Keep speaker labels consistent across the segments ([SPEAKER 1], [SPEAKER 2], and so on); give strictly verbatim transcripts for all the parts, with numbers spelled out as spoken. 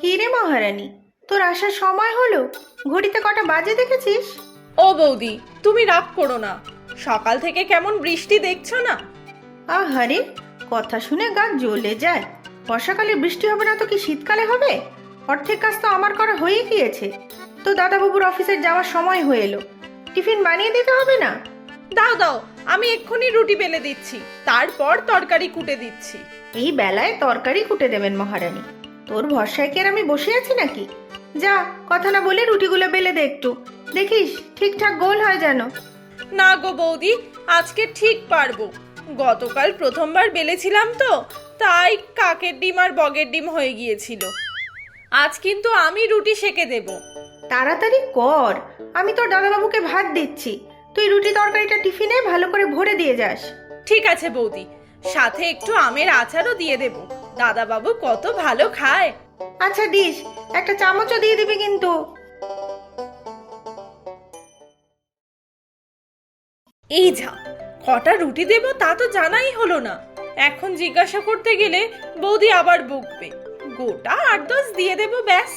[SPEAKER 1] কি রে মহারানী, তোর আসার সময় হলো? ঘড়িতে কটা বাজে দেখেছিস?
[SPEAKER 2] ও বৌদি, তুমি রাগ করো না। সকাল থেকে কেমন বৃষ্টি দেখছো না?
[SPEAKER 1] আহারে, কথা শুনে গা জ্বলে যায়। বর্ষাকালে বৃষ্টি হবে না তো কি শীতকালে হবে? অর্ধেক কাজ তো আমার করা হয়ে গিয়েছে। তো দাদাবাবুর অফিসের যাওয়ার সময় হয়ে এলো, টিফিন বানিয়ে দিতে হবে না?
[SPEAKER 2] দাও দাও, আমি এক্ষুনি রুটি বেলে দিচ্ছি, তারপর তরকারি কুটে দিচ্ছি।
[SPEAKER 1] এই বেলায় তরকারি কুটে দেবেন মহারানী? তোর ভরসায় কি আর আমি বসে আছি নাকি? যা, কথা না বলে রুটিগুলো বেলে দে একটু, দেখিস ঠিকঠাক গোল হয় যেন।
[SPEAKER 2] না গো বৌদি, আজকে ঠিক পারবো। গতকাল প্রথমবার বেলেছিলাম তো, তাই কাকের ডিম আর বগের ডিম হয়ে গিয়েছিল। আজ কিন্তু আমি রুটি সেকে দেব।
[SPEAKER 1] তাড়াতাড়ি কর, আমি তোর দাদাবাবুকে ভাত দিচ্ছি। তুই রুটি তরকারিটা টিফিনে ভালো করে ভরে দিয়ে যাস।
[SPEAKER 2] ঠিক আছে বৌদি, সাথে একটু আমের আচারও দিয়ে দেব। দাদাবাবু কত ভালো খায়।
[SPEAKER 1] আচ্ছা দিস, একটা চামচও দিয়ে দিবি কিন্তু।
[SPEAKER 2] এই যা, কটা রুটি দেব তা তো জানাই হলো না। এখন জিজ্ঞাসা করতে গেলে বৌদি আবার বকবে। গোটা আট দশ দিয়ে দেব, ব্যাস।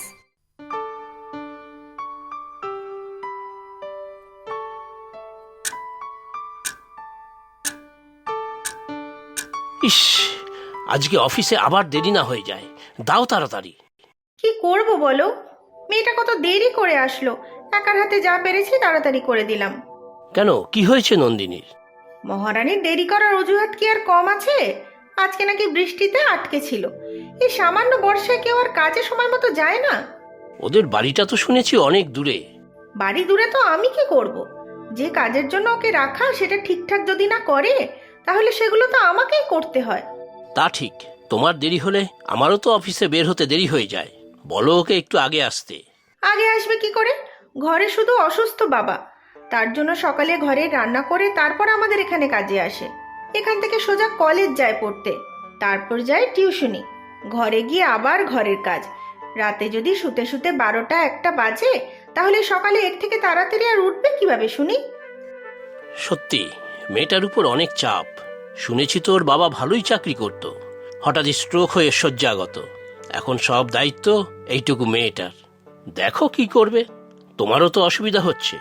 [SPEAKER 3] ইস, আজকে অফিসে আবার দেরি না হয়ে যায়। দাও তাড়াতাড়ি।
[SPEAKER 1] কি করব বলো, মেয়েটা কত দেরি করে আসলো। একার হাতে যা পেরেছি তাড়াতাড়ি করে দিলাম।
[SPEAKER 3] কেন, কি হয়েছে নন্দিনীর?
[SPEAKER 1] মহারানীর দেরি করার অজুহাত কি আর কম আছে? আজকে নাকি বৃষ্টিতে আটকে ছিল। এই সামান্য বর্ষায় কেউ আর কাজে সময় মতো যায় না।
[SPEAKER 3] ওদের বাড়িটা তো শুনেছি অনেক দূরে।
[SPEAKER 1] বাড়ি দূরে তো আমি কি করব? যে কাজের জন্য ওকে রাখা সেটা ঠিকঠাক যদি না করে, তাহলে সেগুলো তো আমাকেই করতে হয়।
[SPEAKER 3] তা ঠিক, তোমার দেরি হলে আমারও তো অফিসে বের হতে দেরি হয়ে যায়। বলো ওকে একটু আগে আসতে।
[SPEAKER 1] আগে আসবে কি করে? ঘরে শুধু অসুস্থ বাবা, তার জন্য সকালে ঘরে রান্না করে তারপর আমাদের এখানে কাজে আসে। এখান থেকে সোজা কলেজ যায় পড়তে, তারপর যায় টিউশনি, ঘরে গিয়ে আবার ঘরের কাজ। রাতে যদি শুতে শুতে বারোটা একটা বাজে, তাহলে সকালে এর থেকে তাড়াতাড়ি আর উঠবে কিভাবে শুনি?
[SPEAKER 3] সত্যি, মেয়েটার উপর অনেক চাপ। শুনেছি তোর বাবা ভালোই চাকরি করত, হঠাৎ স্ট্রোক হয়ে শয্যাগত। এখন সব দায়িত্ব এইটুকু মেয়েটার। দেখো কি করবে, তোমারও তো অসুবিধা হচ্ছে।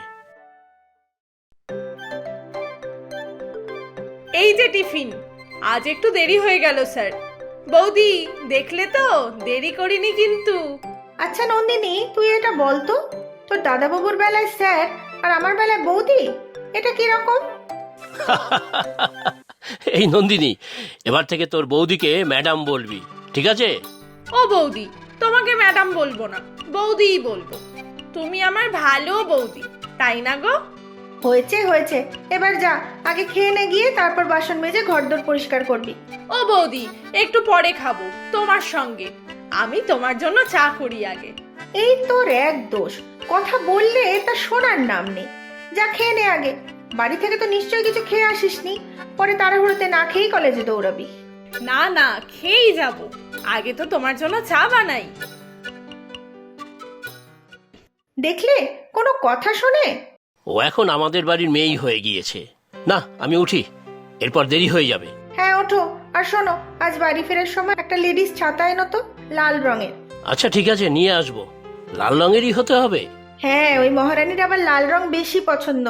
[SPEAKER 2] এই যে টিফিন। আজ একটু দেরি হয়ে গেল স্যার। বৌদি, দেখলে তো দেরি করিনি কিন্তু।
[SPEAKER 1] আচ্ছা নন্দিনী, তুই এটা বলতো, তোর দাদাবাবুর বেলায় স্যার আর আমার বেলায় বৌদি, এটা কি রকম?
[SPEAKER 3] এই নন্দিনী, এবার থেকে তোর বৌদিকে ম্যাডাম বলবি, ঠিক আছে?
[SPEAKER 2] ও বৌদি, তোমাকে ম্যাডাম বলবো না, বৌদিই বলবো। তুমি আমার ভালো বৌদি, তাই না গো?
[SPEAKER 1] হয়েছে হয়েছে, এবার যা, আগে খেয়ে নে গিয়ে, তারপর বাসন মেজে ঘরদোর পরিষ্কার করবি।
[SPEAKER 2] ও বৌদি, একটু পরে খাবো তোমার সঙ্গে। আমি তোমার জন্য চা করি আগে।
[SPEAKER 1] এই তোর এক দোষ, কথা বললে তা শোনার নাম নেই। যা খেয়ে নে আগে, বাড়ি থেকে তো নিশ্চয়ই কিছু খেয়ে আসিসনি, পরে তাড়াহুড়োতে না খেয়েই কলেজে দৌড়াবি।
[SPEAKER 2] না না, খেয়েই যাব, আগে তো তোমার জন্য চা বানাই।
[SPEAKER 1] দেখলে, কোনো কথা শোনে?
[SPEAKER 3] ও এখন আমাদের বাড়ির মেয়েই হয়ে গিয়েছে। না, আমি উঠি, এরপর দেরি হয়ে যাবে।
[SPEAKER 1] হ্যাঁ ওঠো, আর শোনো, আজ বাড়ি ফেরার সময় একটা লেডিস ছাতা এনো তো, লাল রঙের।
[SPEAKER 3] আচ্ছা ঠিক আছে, নিয়ে আসবো। লাল রঙেরই হতে হবে?
[SPEAKER 1] হ্যাঁ, ওই মহারানীর আবার লাল রং বেশি পছন্দ।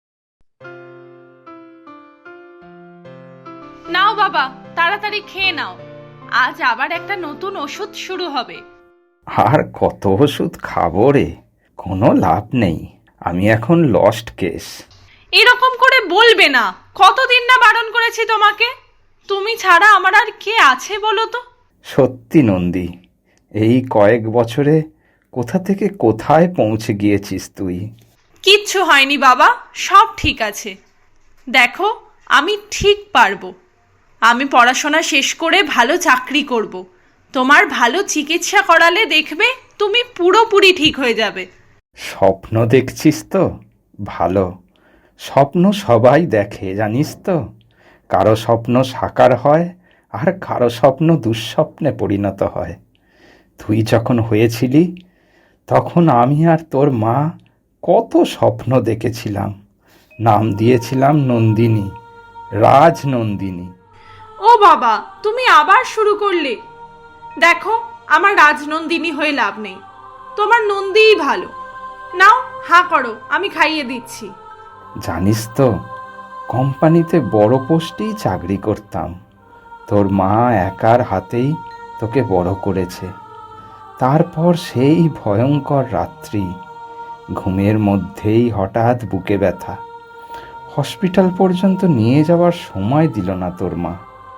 [SPEAKER 2] নাও বাবা, তাড়াতাড়ি খেয়ে নাও, আজ আবার একটা নতুন ওষুধ শুরু হবে।
[SPEAKER 4] আর কত ওষুধ খাবো রে, কোনো লাভ নেই। আমি এখন লস্ট কেস।
[SPEAKER 2] এরকম করে বলবে না, কতদিন না বারণ করেছি তোমাকে। তুমি ছাড়া আমার আর কে আছে বলো তো?
[SPEAKER 4] সত্যি নন্দী, এই কয়েক বছরে কোথা থেকে কোথায় পৌঁছে গিয়েছিস তুই।
[SPEAKER 2] কিচ্ছু হয়নি বাবা, সব ঠিক আছে। দেখো, আমি ঠিক পারবো। আমি পড়াশোনা শেষ করে ভালো চাকরি করব। তোমার ভালো চিকিৎসা করালে দেখবে তুমি পুরোপুরি ঠিক হয়ে যাবে।
[SPEAKER 4] স্বপ্ন দেখছিস তো? ভালো, স্বপ্ন সবাই দেখে জানিস তো। কারো স্বপ্ন সাকার হয়, আর কারো স্বপ্ন দুঃস্বপ্নে পরিণত হয়। তুই যখন হয়েছিলি, তখন আমি আর তোর মা কত স্বপ্ন দেখেছিলাম। নাম দিয়েছিলাম নন্দিনী, রাজনন্দিনী।
[SPEAKER 2] ও বাবা, তুমি আবার শুরু করলে। দেখো, আমার রাজনন্দিনী হয়ে লাভ নেই, তোমার নন্দীই ভালো। নাও হাঁ করো, আমি খাইয়ে দিচ্ছি।
[SPEAKER 4] জানিস তো, কোম্পানিতে বড় পোস্টেই চাকরি করতাম। তোর মা একার হাতেই তোকে বড় করেছে। তারপর সেই ভয়ঙ্কর রাত্রি, ঘুমের মধ্যেই হঠাৎ বুকে ব্যথা। হসপিটাল পর্যন্ত নিয়ে যাওয়ার সময় দিল না তোর মা।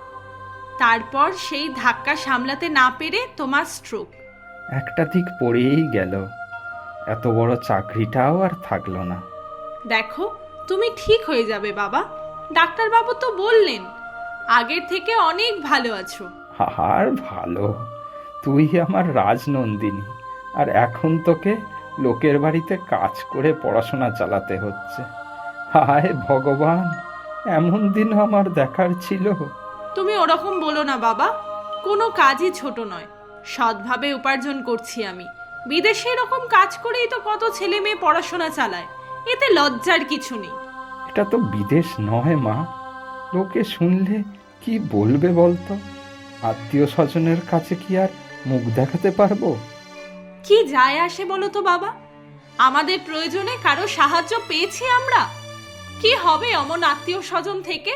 [SPEAKER 2] তারপর সেই ধাক্কা সামলাতে না পেরে তোমার স্ট্রোক।
[SPEAKER 4] একটা দিক পড়েই গেল, এত বড় চাকরিটাও আর থাকলো না।
[SPEAKER 2] দেখো, তুমি ঠিক হয়ে যাবে বাবা, ডাক্তারবাবু তো বললেন। আগের থেকে অনেক ভালো আছো।
[SPEAKER 4] আর ভালো, তুই আমার রাজনন্দিনী, আর এখন তোকে লোকের বাড়িতে কাজ করে পড়াশোনা চালাতে হচ্ছে। হায় ভগবান, এমন দিন আমার দেখার ছিল।
[SPEAKER 2] তুমি ওরকম বলো না বাবা, কোনো কাজই ছোট নয়। সৎভাবে উপার্জন করছি আমি। বিদেশে এরকম কাজ করেই তো কত ছেলে মেয়ে পড়াশোনা চালায়, এতে লজ্জার কিছু নেই।
[SPEAKER 4] এটা তো বিদেশ নয় মা, লোকে শুনলে কি বলবে বলতো? আত্মীয় স্বজনের কাছে কি আর মুখ দেখাতে পারবো?
[SPEAKER 2] কি যায় আসে বলো তো বাবা, আমাদের প্রয়োজনে কারো সাহায্য পেয়েছি আমরা। কি হবে অমন আত্মীয় স্বজন থেকে?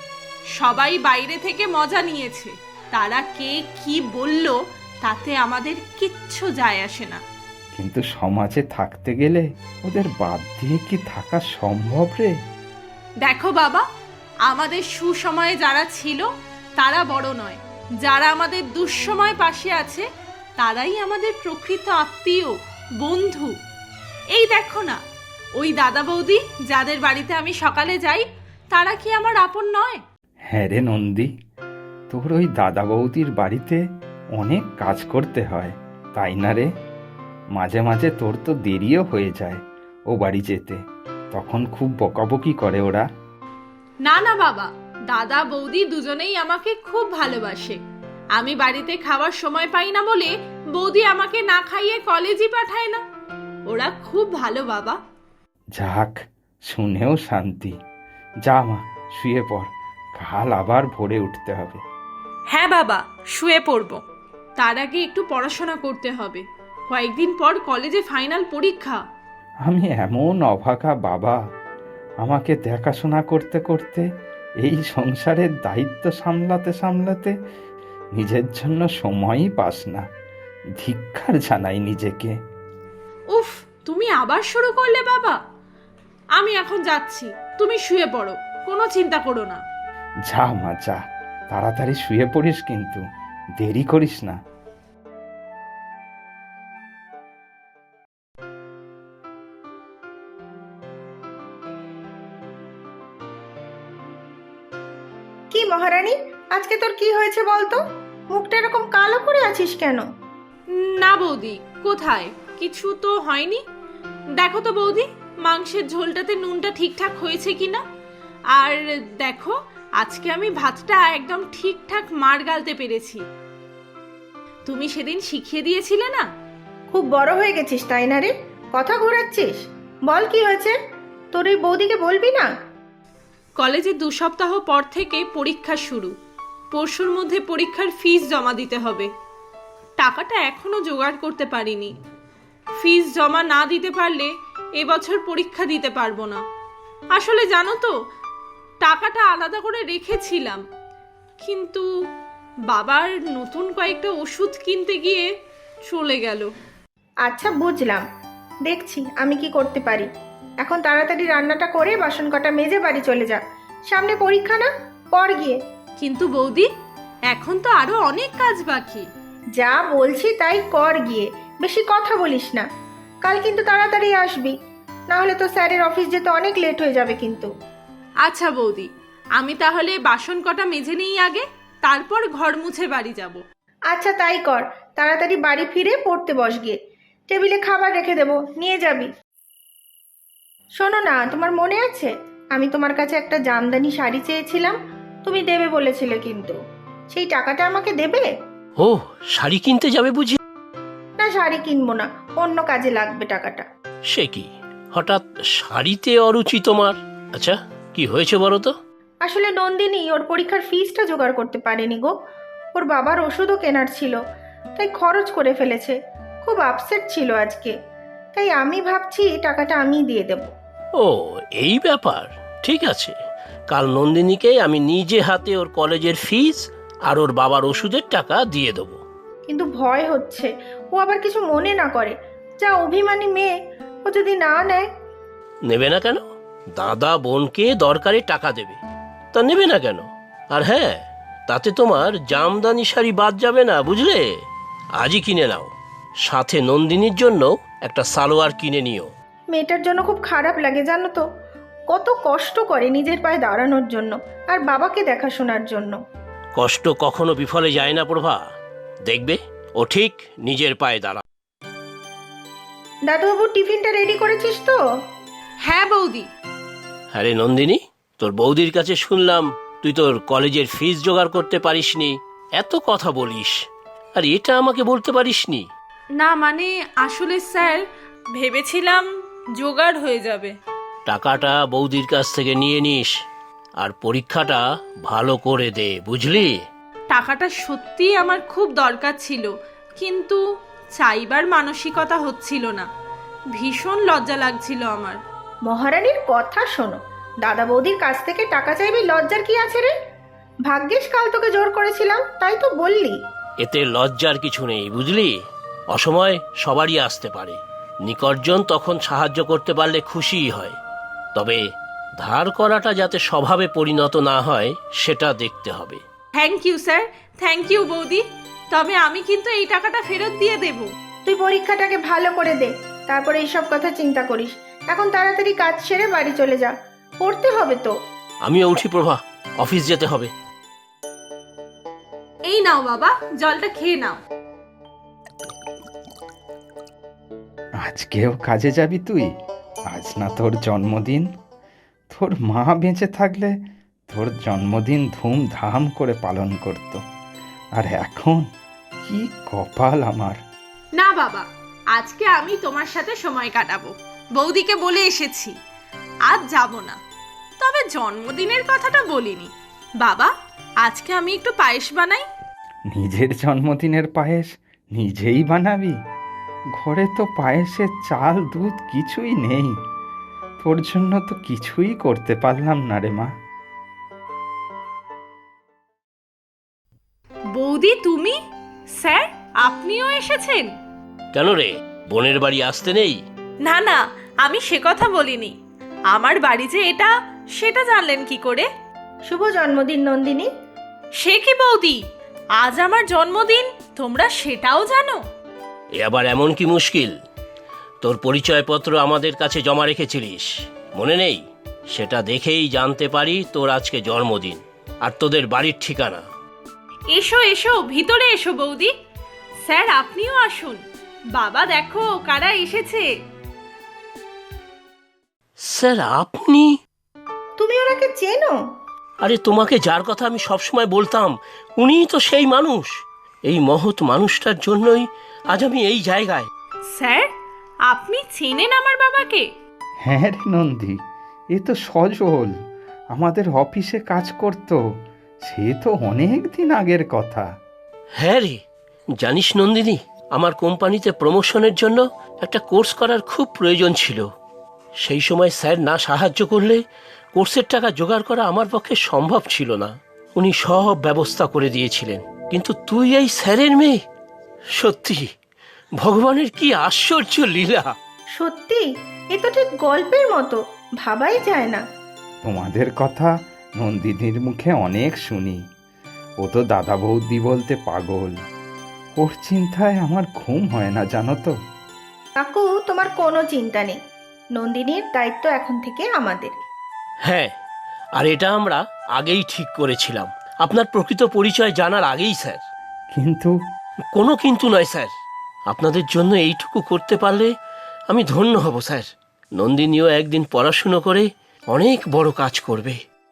[SPEAKER 2] সবাই বাইরে থেকে মজা নিয়েছে, তারা কে কি বলল তাতে আমাদের কিচ্ছু যায় আসে না।
[SPEAKER 4] কিন্তু সমাজে থাকতে গেলে ওদের বাদ দিয়ে কি থাকা সম্ভব রে?
[SPEAKER 2] দেখো বাবা, আমাদের সুসময়ে যারা ছিল তারা বড় নয়, যারা আমাদের দুঃসময় পাশে আছে তারাই আমাদের প্রকৃত আত্মীয়, বন্ধু। এই দেখো না, ওই দাদা বৌদি যাদের বাড়িতে আমি সকালে যাই, তারা কি আমার আপন নয়?
[SPEAKER 4] হ্যাঁ রে নন্দী, তোর ওই দাদা বৌদির বাড়িতে অনেক কাজ করতে হয়, তাই না রে? মাঝে মাঝে তোর তো দেরিও হয়ে যায় ও বাড়ি যেতে, তখন খুব বকাবকি করে ওরা।
[SPEAKER 2] না না বাবা, দাদা বৌদি দুজনেই আমাকে খুব ভালোবাসে। আমি বাড়িতে খাওয়ার সময় পাই না বলে বৌদি আমাকে না খাইয়ে কলেজই পাঠায় না। ওরা খুব ভালো বাবা।
[SPEAKER 4] যাক, শুনেও শান্তি। যা মা, শুয়ে পড়, কাল আবার ভোরে উঠতে হবে।
[SPEAKER 2] হ্যাঁ বাবা, শুয়ে পড়ব। তার আগে একটু পড়াশোনা করতে হবে, কয়েকদিন পর কলেজে ফাইনাল পরীক্ষা।
[SPEAKER 4] আমি এমন অভাগা বাবা, আমাকে দেখাশোনা করতে করতে এই সংসারের দায়িত্ব সামলাতে সামলাতে নিজের জন্য সময়ই পাস না। ধিক্কার জানাই নিজেকে।
[SPEAKER 2] উফ, তুমি আবার শুরু করলে বাবা। আমি এখন যাচ্ছি, তুমি শুয়ে পড়ো, কোনো চিন্তা করো না।
[SPEAKER 4] যা মা যা, তাড়াতাড়ি শুয়ে পড়িস কিন্তু, দেরি করিস না।
[SPEAKER 1] কি মহারানী, আজকে তোর কি হয়েছে বলতো? মুখটা এরকম কালো করে আছিস কেন?
[SPEAKER 2] না বৌদি, কোথায়, কিছু তো হয়নি। দেখো তো বৌদি, মাংসের ঝোলটাতে নুনটা ঠিকঠাক হয়েছে কিনা। আর দেখো, আজকে আমি ভাতটা একদম ঠিকঠাক মার গালতে পেরেছি। তুমি সেদিন শিখিয়ে দিয়েছিলে না?
[SPEAKER 1] খুব বড় হয়ে গেছিস তাই না রে? কথা ঘোরাচ্ছিস। বল কি হয়েছে? তোর এই বৌদিকে বলবি না?
[SPEAKER 2] কলেজে দু সপ্তাহ পর থেকে পরীক্ষা শুরু। পরশুর মধ্যে পরীক্ষার ফিস জমা দিতে হবে। টাকাটা এখনো জোগাড় করতে পারিনি। ফিস জমা না দিতে পারলে এবছর পরীক্ষা দিতে পারবো না। আসলে জানো তো, টাকাটা আলাদা করে রেখেছিলাম, কিন্তু বাবার নতুন কয়েকটা ওষুধ কিনতে গিয়ে চলে গেল।
[SPEAKER 1] আচ্ছা বুঝলাম, দেখছি আমি কি করতে পারি। এখন তাড়াতাড়ি রান্নাটা করে বাসন কটা মেজে বাড়ি চলে যা, সামনে পরীক্ষা না, পর গিয়ে।
[SPEAKER 2] কিন্তু বৌদি, এখন তো আরো অনেক কাজ বাকি।
[SPEAKER 1] যা বলছি তাই কর গিয়ে, বেশি কথা বলিস না। কাল কিন্তু তাড়াতাড়ি আসবি, না হলে তো স্যারের অফিস যেতে অনেক লেট হয়ে যাবে কিন্তু।
[SPEAKER 2] আচ্ছা বৌদি, আমি তাহলে বাসন কটা মেজে নিই আগে, তারপর ঘর মুছে বাড়ি যাব।
[SPEAKER 1] আচ্ছা তাই কর, তাড়াতাড়ি বাড়ি ফিরে পড়তে বস গিয়ে। টেবিলে খাবার রেখে দেবো, নিয়ে যাবি। শোনো না, তোমার মনে আছে আমি তোমার কাছে একটা জামদানি শাড়ি চেয়েছিলাম? তুমি দেবে বলেছিলে, কিন্তু সেই টাকাটা আমাকে দেবে?
[SPEAKER 3] ও, শাড়ি কিনতে যাবে বুঝি?
[SPEAKER 1] না, শাড়ি কিনবো না, অন্য কাজে লাগবে টাকাটা।
[SPEAKER 3] সে কি, হঠাৎ শাড়িতে অরুচি তোমার? আচ্ছা, কি হয়েছে বলো তো?
[SPEAKER 1] আসলে নন্দিনী ওর পরীক্ষার ফিসটা জোগাড় করতে পারেনি গো। ওর বাবার ওষুধও কেনার ছিল, তাই খরচ করে ফেলেছে। খুব আপসেট ছিল আজকে, তাই আমি ভাবছি টাকাটা আমিই দিয়ে দেব।
[SPEAKER 3] ও, এই ব্যাপার। ঠিক আছে, কাল নন্দিনীকে আমি নিজে হাতে ওর কলেজের ফিস আর ওর বাবার ওষুধের টাকা দিয়ে দেবো।
[SPEAKER 1] কিন্তু ভয় হচ্ছে ও আবার কিছু মনে না করে। যা অভিমানী মেয়ে, ও যদি না নেয়।
[SPEAKER 3] নেবে না কেন? দাদা বোনকে দরকারে টাকা দেবে, তা নেবে না কেন? আর হ্যাঁ, তাতে তোমার জামদানি শাড়ি বাদ যাবে না, বুঝলে? আজই কিনে নাও, সাথে নন্দিনীর জন্য একটা সালোয়ার কিনে নিও।
[SPEAKER 1] মেয়েটার জন্য খুব খারাপ লাগে জানো তো, কত কষ্ট করে নিজের পায়ে দাঁড়ানোর জন্য আর বাবাকে দেখাশোনার জন্য।
[SPEAKER 3] কষ্ট কখনো বিফলে যায় না প্রভা, দেখবে ও ঠিক নিজের পায়ে দাঁড়া।
[SPEAKER 1] দাদুবাবু, টিফিনটা রেডি করেছিস তো?
[SPEAKER 2] হ্যাঁ বৌদি।
[SPEAKER 3] আরে নন্দিনী, তোর বৌদির কাছে শুনলাম তুই তোর কলেজের ফিস জোগাড় করতে পারিসনি, এত কথা বলিস, আর এটা আমাকে বলতে পারিসনি?
[SPEAKER 2] না মানে আসলে স্যার, ভেবেছিলাম জোগাড় হয়ে যাবে।
[SPEAKER 3] টাকাটা বৌদির কাছ থেকে নিয়ে নিস, আর পরীক্ষাটা ভালো করে দে, বুঝলি?
[SPEAKER 2] টাকাটা সত্যিই আমার খুব দরকার ছিল, কিন্তু চাইবার মানসিকতা হচ্ছিল না। ভীষণ লজ্জা লাগছিল আমার।
[SPEAKER 1] মহারানীর কথা শোনো, দাদা বৌদির কাছ থেকে টাকা চাইবি, লজ্জার কি আছে রে? ভাগ্যিস কাল তোকে জোর করেছিলাম, তাই তো বললি।
[SPEAKER 3] এতে লজ্জার কিছু নেই, বুঝলি? অসময় সবারই আসতে পারে, নিকটজন তখন সাহায্য করতে পারলে খুশিই হয়। তবে ধার করাটা যাতে স্বভাবে পরিণত না হয় সেটা দেখতে হবে।
[SPEAKER 2] Thank you sir, thank you বৌদি। তবে আমি কিন্তু এই টাকাটা ফেরত দিয়ে দেব।
[SPEAKER 1] তুই পরীক্ষাটাকে ভালো করে দে, তারপরে এইসব কথা চিন্তা করিস। এখন তাড়াতাড়ি কাজ সেরে বাড়ি চলে যা, পড়তে হবে তো।
[SPEAKER 3] আমিও উঠি প্রভা, অফিস যেতে হবে।
[SPEAKER 2] এই নাও বাবা, জলটা খেয়ে নাও।
[SPEAKER 4] আজকেও কাজে যাবি তুই? আজ না তোর জন্মদিন? তোর মা বেঁচে থাকলে তোর জন্মদিন ধুমধাম করে পালন করত, আর এখন কি কপাল আমার।
[SPEAKER 2] না বাবা, আজকে আমি তোমার সাথে সময় কাটাবো। বৌদিকে বলে এসেছি আজ যাব না। তবে জন্মদিনের কথাটা বলিনি। বাবা, আজকে আমি একটু পায়েস বানাই।
[SPEAKER 4] নিজের জন্মদিনের পায়েস নিজেই বানাবি? ঘরে তো পায়েসের চাল দুধ কিছুই নেই, তোর জন্য তো কিছুই করতে পারলাম না রে মা।
[SPEAKER 2] বৌদি তুমি? স্যার, আপনিও এসেছেন?
[SPEAKER 3] কেন রে, বোনের বাড়ি আসতে নেই?
[SPEAKER 2] না না, আমি সে কথা বলিনি। আমার বাড়ি যে এটা, সেটা জানলেন কি করে?
[SPEAKER 1] শুভ জন্মদিন নন্দিনী।
[SPEAKER 2] সে কি বৌদি, আজ আমার জন্মদিন, তোমরা সেটাও জানো?
[SPEAKER 3] এ আবার এমন কি মুশকিল? তোর পরিচয়পত্র আমাদের কাছে জমা রেখেছিলিস, মনে নেই? সেটা দেখেই জানতে পারি তোর আজকে জন্মদিন আর তোদের বাড়ির ঠিকানা।
[SPEAKER 2] এসো এসো, ভিতরে এসো বৌদি। স্যার, আপনিও আসুন। বাবা, দেখো কারা এসেছে।
[SPEAKER 3] স্যার, আপনি?
[SPEAKER 1] তুমি ওনাকে চেনো?
[SPEAKER 3] আরে, তোমাকে যার কথা আমি সবসময় বলতাম, উনিই তো সেই মানুষ। এই মহৎ মানুষটার জন্যই আজ আমি এই জায়গায়।
[SPEAKER 2] স্যার, আপনি চেনেন আমার বাবাকে?
[SPEAKER 4] হ্যাঁ রে নন্দী, এ তো সজল, আমাদের অফিসে কাজ করত। সে তো অনেক দিন আগের কথা।
[SPEAKER 3] হ্যাঁ রে, জানিস নন্দিনী, আমার কোম্পানিতে প্রমোশনের জন্য একটা কোর্স করার খুব প্রয়োজন ছিল। সেই সময় স্যার না সাহায্য করলে কোর্সের টাকা জোগাড় করা আমার পক্ষে সম্ভব ছিল না। উনি সব ব্যবস্থা করে দিয়েছিলেন, কিন্তু তুই এই স্যারের মেয়ে? সত্যি ভগবানের কি আশ্চর্য লীলা।
[SPEAKER 1] সত্যি, এ তো ঠিক গল্পের মতো, ভাবাই যায় না।
[SPEAKER 4] তোমাদের কথা নন্দিনীর মুখে অনেক শুনি। ও তো দাদা বৌদি বলতে পাগল। ওর চিন্তায় আমার ঘুম হয় না, জানো তো।
[SPEAKER 1] কাকু, তোমার কোনো চিন্তা নেই, নন্দিনীর দায়িত্ব এখন থেকে আমাদের।
[SPEAKER 3] হ্যাঁ, আর এটা আমরা আগেই ঠিক করেছিলাম, আপনার প্রকৃত পরিচয় জানার আগেই স্যার।
[SPEAKER 4] কিন্তু
[SPEAKER 3] কোনো কিন্তু নয় স্যার, আপনাদের জন্য এইটুকু করতে পারলে আমি ধন্য হব স্যার। নন্দিনীও একদিন পড়াশুনো করে অনেক বড় কাজ করবে।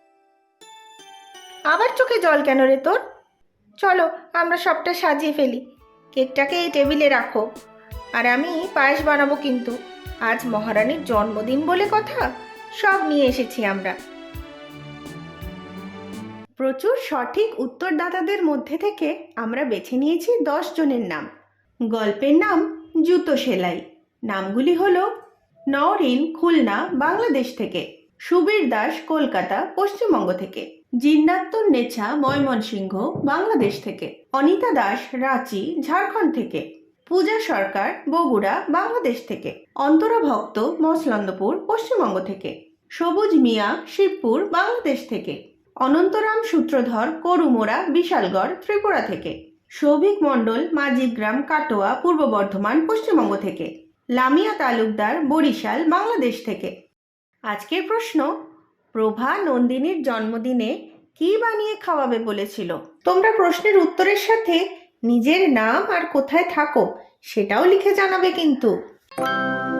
[SPEAKER 1] আবার চোখে জল কেন রে তোর? চলো আমরা সবটা সাজিয়ে ফেলি। কেকটাকে এই টেবিলে রাখো, আর আমি পায়েস বানাবো। কিন্তু আজ মহারানীর জন্মদিন বলে কথা, সব নিয়ে এসেছি আমরা। প্রচুর সঠিক উত্তরদাতাদের মধ্যে থেকে আমরা বেছে নিয়েছি দশ জনের নাম। গল্পের নাম জুতো সেলাই। নামগুলি হলো নওরিন খুলনা বাংলাদেশ থেকে, সুবীর দাস কলকাতা পশ্চিমবঙ্গ থেকে, জিন্নাতুন নেছা ময়মনসিংহ বাংলাদেশ থেকে, অনিতা দাস রাঁচি ঝাড়খণ্ড থেকে, পূজা সরকার বগুড়া বাংলাদেশ থেকে, অন্তরা ভক্ত মসলন্দপুর পশ্চিমবঙ্গ থেকে, সবুজ মিয়া শিবপুর বাংলাদেশ থেকে, অনন্তরাম সূত্রধর করুমোড়া বিশালগড় ত্রিপুরা থেকে, সৌভিক মণ্ডল মাঝিগ্রাম কাটোয়া পূর্ব বর্ধমান পশ্চিমবঙ্গ থেকে, লামিয়া তালুকদার বরিশাল বাংলাদেশ থেকে। আজকের প্রশ্ন, প্রভা নন্দিনীর জন্মদিনে কি বানিয়ে খাওয়াবে বলেছিল? তোমরা প্রশ্নের উত্তরের সাথে নিজের নাম আর কোথায় থাকো সেটাও লিখে জানাবে কিন্তু।